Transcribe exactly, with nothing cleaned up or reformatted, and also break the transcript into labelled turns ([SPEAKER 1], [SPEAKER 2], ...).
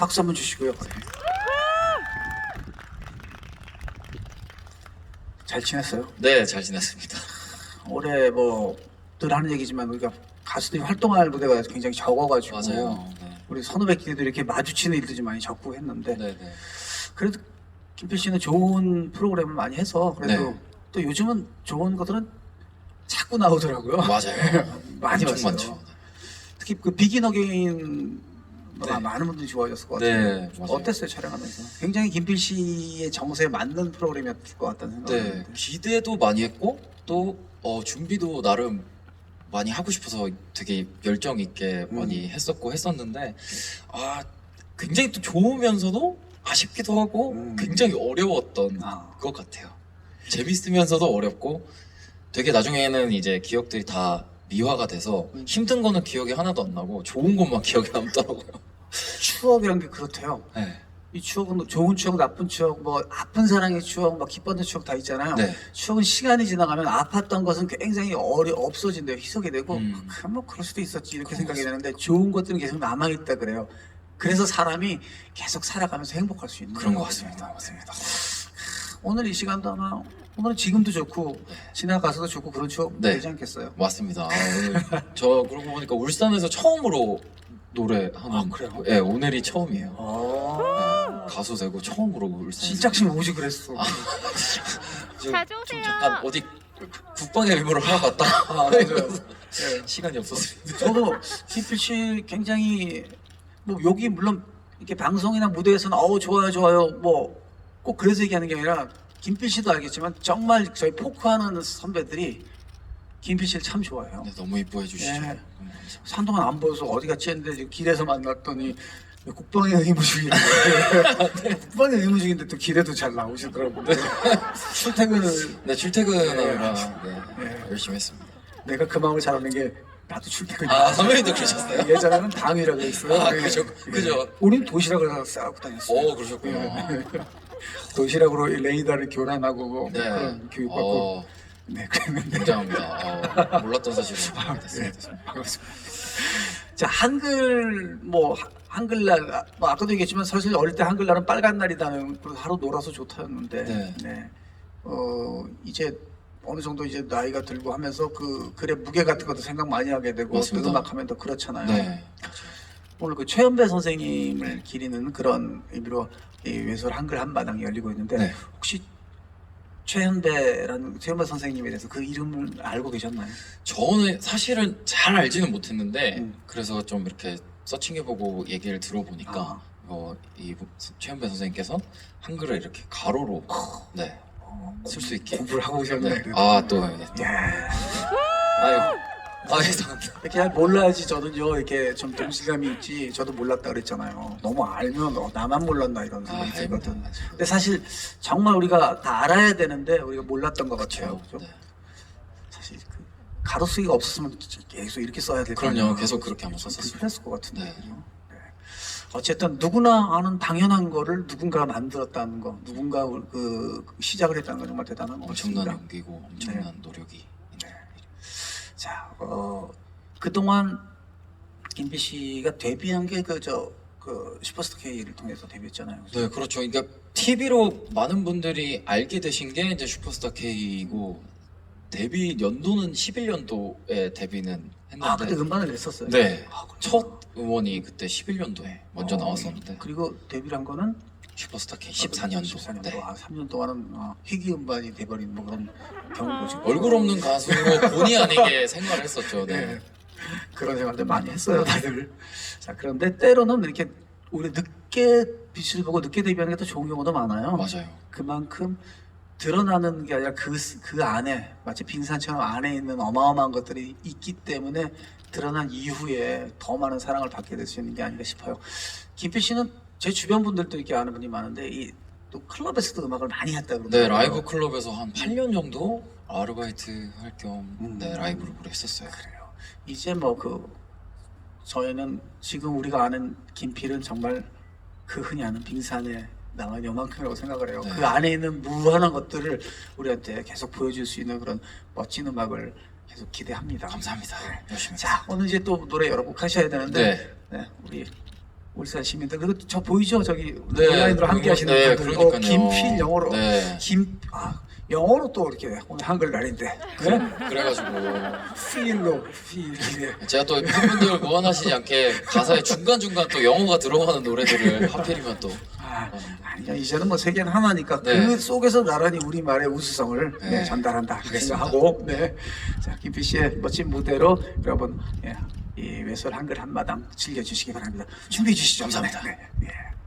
[SPEAKER 1] 박수 한번 주시고요. 잘 지냈어요?
[SPEAKER 2] 네, 잘 지냈습니다.
[SPEAKER 1] 올해 뭐 늘 하는 얘기지만 우리가 가수들이 활동할 무대가 굉장히 적어가지고
[SPEAKER 2] 맞아요. 네.
[SPEAKER 1] 우리 선후배 끼리도 이렇게 마주치는 일들이 많이 적고 했는데
[SPEAKER 2] 네, 네.
[SPEAKER 1] 그래도 김필 씨는 좋은 프로그램을 많이 해서 그래도
[SPEAKER 2] 네.
[SPEAKER 1] 또 요즘은 좋은 것들은 자꾸 나오더라고요.
[SPEAKER 2] 맞아요.
[SPEAKER 1] 많이
[SPEAKER 2] 엄청
[SPEAKER 1] 봤어요.
[SPEAKER 2] 많죠.
[SPEAKER 1] 특히 그 비긴 어게인
[SPEAKER 2] 네.
[SPEAKER 1] 많은 분들이 좋아하셨을 것 같아요.
[SPEAKER 2] 네, 맞아요.
[SPEAKER 1] 어땠어요 촬영하면서? 굉장히 김필 씨의 정서에 맞는 프로그램이었을 것 같다는 생각이
[SPEAKER 2] 네,
[SPEAKER 1] 드는데.
[SPEAKER 2] 기대도 많이 했고 또 어, 준비도 나름 많이 하고 싶어서 되게 열정 있게
[SPEAKER 1] 음.
[SPEAKER 2] 많이 했었고 했었는데 아 굉장히 또 좋으면서도 아쉽기도 하고
[SPEAKER 1] 음.
[SPEAKER 2] 굉장히 어려웠던
[SPEAKER 1] 아.
[SPEAKER 2] 것 같아요. 재밌으면서도 어렵고 되게 나중에는 이제 기억들이 다 미화가 돼서
[SPEAKER 1] 음.
[SPEAKER 2] 힘든 거는 기억이 하나도 안 나고 좋은 것만 기억에 남더라고요.
[SPEAKER 1] 추억이란 게 그렇대요.
[SPEAKER 2] 네.
[SPEAKER 1] 이 추억은 좋은 추억, 나쁜 추억, 뭐 아픈 사랑의 추억, 막 기뻤던 추억 다 있잖아요.
[SPEAKER 2] 네.
[SPEAKER 1] 추억은 시간이 지나가면 아팠던 것은 굉장히 어려 없어진대요. 희석이 되고
[SPEAKER 2] 음.
[SPEAKER 1] 그럼 뭐 그럴 수도 있었지 이렇게
[SPEAKER 2] 그런
[SPEAKER 1] 생각이
[SPEAKER 2] 것
[SPEAKER 1] 되는데 좋은 것들은 계속 남아 있다 그래요. 그래서 사람이 계속 살아가면서 행복할 수 있는
[SPEAKER 2] 그런 것
[SPEAKER 1] 거거든요.
[SPEAKER 2] 같습니다. 맞습니다.
[SPEAKER 1] 오늘 이 시간도 아마 오늘은 지금도 좋고 지나가서도 좋고 그런 추억
[SPEAKER 2] 네.
[SPEAKER 1] 되지 않겠어요?
[SPEAKER 2] 맞습니다. 아, 오늘 저 그러고 보니까 울산에서 처음으로 노래하는
[SPEAKER 1] 아, 그래요?
[SPEAKER 2] 네, 오늘이 처음이에요.
[SPEAKER 1] 아,
[SPEAKER 2] 네, 가수 되고 처음으로 울산.
[SPEAKER 1] 진작심 오지 그랬어.
[SPEAKER 3] 자주
[SPEAKER 2] 좀
[SPEAKER 3] 오세요.
[SPEAKER 2] 잠깐 어디 국방의 의무를 하러 갔다.
[SPEAKER 1] 아, 맞아요. 네.
[SPEAKER 2] 시간이 없었습니다.
[SPEAKER 1] 저도 김필 씨 굉장히 뭐 여기 물론 이렇게 방송이나 무대에서는 어우 좋아요 좋아요 뭐 꼭 그래서 얘기하는 게 아니라 김필 씨도 알겠지만 정말 저희 포크하는 선배들이 김필 씨를 참 좋아해요.
[SPEAKER 2] 네, 너무 이뻐해 주시죠.
[SPEAKER 1] 네.
[SPEAKER 2] 너무 감사합니다.
[SPEAKER 1] 한동안 안 보여서 어디 갔지 했는데 지금 길에서 만났더니 국방의 의무 중인데 국방의 의무 중인데 또 길에도 잘 나오시더라고요. 출퇴근을
[SPEAKER 2] 네, 출퇴근하느라
[SPEAKER 1] 네.
[SPEAKER 2] 네,
[SPEAKER 1] 네.
[SPEAKER 2] 열심히 했습니다.
[SPEAKER 1] 내가 그 마음을 잘 아는 게 나도 출퇴근이야.
[SPEAKER 2] 아, 선배님도 그러셨어요?
[SPEAKER 1] 예전에는 당이라고 했어요.
[SPEAKER 2] 아,
[SPEAKER 1] 네.
[SPEAKER 2] 그죠, 그죠.
[SPEAKER 1] 우린 도시락을 싸고 다녔어요.
[SPEAKER 2] 오, 그러셨군요.
[SPEAKER 1] 도시락으로 레이더를 교란하고 뭐
[SPEAKER 2] 네.
[SPEAKER 1] 그런 교육받고
[SPEAKER 2] 어,
[SPEAKER 1] 네 그랬는데
[SPEAKER 2] 굉장합니다. 어, 몰랐던 사실을 알게
[SPEAKER 1] 네,
[SPEAKER 2] 됐습니다.
[SPEAKER 1] 반갑습니다. 자 한글 뭐 하- 한글날 뭐 아까도 얘기했지만 사실 어릴 때 한글날은 빨간 날이다는 그래서 하루 놀아서 좋다였는데
[SPEAKER 2] 네.
[SPEAKER 1] 네. 어 이제 어느 정도 이제 나이가 들고 하면서 그 글의 무게 같은 것도 생각 많이 하게 되고 또
[SPEAKER 2] 맞습니다.
[SPEAKER 1] 음악하면 더 그렇잖아요.
[SPEAKER 2] 네.
[SPEAKER 1] 오늘 그 최연배 선생님을 기리는 그런 의미로 이 외설 한글 한마당이 열리고 있는데
[SPEAKER 2] 네.
[SPEAKER 1] 혹시 최연배라는 최연배 선생님에 대해서 그 이름을 알고 계셨나요?
[SPEAKER 2] 저는 사실은 잘 알지는 못했는데
[SPEAKER 1] 음.
[SPEAKER 2] 그래서 좀 이렇게 서칭해보고 얘기를 들어보니까
[SPEAKER 1] 아.
[SPEAKER 2] 어, 이 최현배 선생님께서 한글을 이렇게 가로로 네, 쓸 수 있게
[SPEAKER 1] 공부를 하고 오셨네.
[SPEAKER 2] 네. 아또 네, 또.
[SPEAKER 1] 야,
[SPEAKER 2] 아유 아 죄송합니다.
[SPEAKER 1] 이렇게 잘 몰라야지 저는요 이렇게 좀 동질감이 있지 저도 몰랐다 그랬잖아요. 너무 알면 어, 나만 몰랐나 이런
[SPEAKER 2] 아,
[SPEAKER 1] 생각이 들거든.
[SPEAKER 2] 아닙니다.
[SPEAKER 1] 근데 사실 정말 우리가 다 알아야 되는데 우리가 몰랐던 것 같아요.
[SPEAKER 2] 그렇죠.
[SPEAKER 1] 그죠?
[SPEAKER 2] 네.
[SPEAKER 1] 사실 그 가로쓰기가 없었으면 진짜 계속 이렇게 써야 될
[SPEAKER 2] 그럼요.
[SPEAKER 1] 거예요.
[SPEAKER 2] 계속 그렇게 한번 썼었어요.
[SPEAKER 1] 불편했을 것 같은데.
[SPEAKER 2] 네.
[SPEAKER 1] 그죠? 네. 어쨌든 누구나 아는 당연한 거를 누군가가 만들었다는 거, 누군가 그 시작을 했다는 건 정말 대단한 것
[SPEAKER 2] 엄청난
[SPEAKER 1] 같습니다.
[SPEAKER 2] 용기고 엄청난 노력이
[SPEAKER 1] 네. 자, 어, 그동안 김비 씨가 데뷔한 게 그 저 그 슈퍼스타 K를 통해서 데뷔했잖아요.
[SPEAKER 2] 네 그렇죠. 그러니까 티비로 많은 분들이 알게 되신 게 이제 슈퍼스타 K이고 데뷔 연도는 십일 년도에 데뷔는 했는데
[SPEAKER 1] 아, 그때 음반을 냈었어요.
[SPEAKER 2] 네.
[SPEAKER 1] 아, 그렇구나.
[SPEAKER 2] 첫 음원이 그때 십일 년도에 먼저
[SPEAKER 1] 어,
[SPEAKER 2] 나왔었는데
[SPEAKER 1] 그리고 데뷔를 한 거는
[SPEAKER 2] 슈퍼스타 K 십사 년도.
[SPEAKER 1] 십사 년도.
[SPEAKER 2] 네.
[SPEAKER 1] 아, 삼 년 동안은 아, 희귀 음반이 돼버린 뭐 그런 경우도 지금
[SPEAKER 2] 얼굴 없는 가수로 본의 아니게 생활을 했었죠. 네.
[SPEAKER 1] 네. 그런 생각들 많이 했어요, 다들. 자, 그런데 때로는 이렇게 우리 늦게 빛을 보고 늦게 데뷔하는 게 더 좋은 경우도 많아요.
[SPEAKER 2] 맞아요.
[SPEAKER 1] 그만큼 드러나는 게 아니라 그, 그 안에 마치 빙산처럼 안에 있는 어마어마한 것들이 있기 때문에 드러난 이후에 더 많은 사랑을 받게 될 수 있는 게 아닌가 싶어요. 김필 씨는 제 주변 분들도 이렇게 아는 분이 많은데 이 또 클럽에서도 음악을 많이 했다 그러더라고요.
[SPEAKER 2] 네, 라이브 클럽에서 한 팔 년 정도 아르바이트 할 겸
[SPEAKER 1] 음.
[SPEAKER 2] 네, 라이브를 오래 했었어요.
[SPEAKER 1] 그래요. 이제 뭐 그 저희는 지금 우리가 아는 김필은 정말 그 흔히 아는 빙산에 나간 요만큼이라고 생각을 해요.
[SPEAKER 2] 네.
[SPEAKER 1] 그 안에 있는 무한한 것들을 우리한테 계속 보여줄 수 있는 그런 멋진 음악을 계속 기대합니다.
[SPEAKER 2] 감사합니다. 열심히.
[SPEAKER 1] 자, 오늘 이제 또 노래 여러 곡 하셔야 되는데
[SPEAKER 2] 네.
[SPEAKER 1] 네, 우리 울산 시민들 그리고 저 보이죠 저기
[SPEAKER 2] 네,
[SPEAKER 1] 온라인으로 함께
[SPEAKER 2] 그리고-
[SPEAKER 1] 하시는
[SPEAKER 2] 네,
[SPEAKER 1] 분들 어,
[SPEAKER 2] 그러니까요.
[SPEAKER 1] 김필 영어로
[SPEAKER 2] 네.
[SPEAKER 1] 김 아, 영어로 또 이렇게 오늘 한글날인데 네?
[SPEAKER 2] 그래가지고
[SPEAKER 1] 필로 필 네.
[SPEAKER 2] 제가 또 팬분들 무안하시지 않게 가사에 중간 중간 또 영어가 들어가는 노래들을 하필이면 또
[SPEAKER 1] 아, 아니요 이제는 뭐 세계는 하나니까
[SPEAKER 2] 네.
[SPEAKER 1] 그 속에서 나란히 우리 말의 우수성을 네,
[SPEAKER 2] 네.
[SPEAKER 1] 전달한다 이렇게
[SPEAKER 2] 알겠습니다.
[SPEAKER 1] 생각하고 네. 자 김필 씨의 멋진 무대로 여러분 예, 이 외설 한글 한마당 즐겨주시기 바랍니다. 준비해 주시죠.
[SPEAKER 2] 감사합니다.
[SPEAKER 1] 네, 네.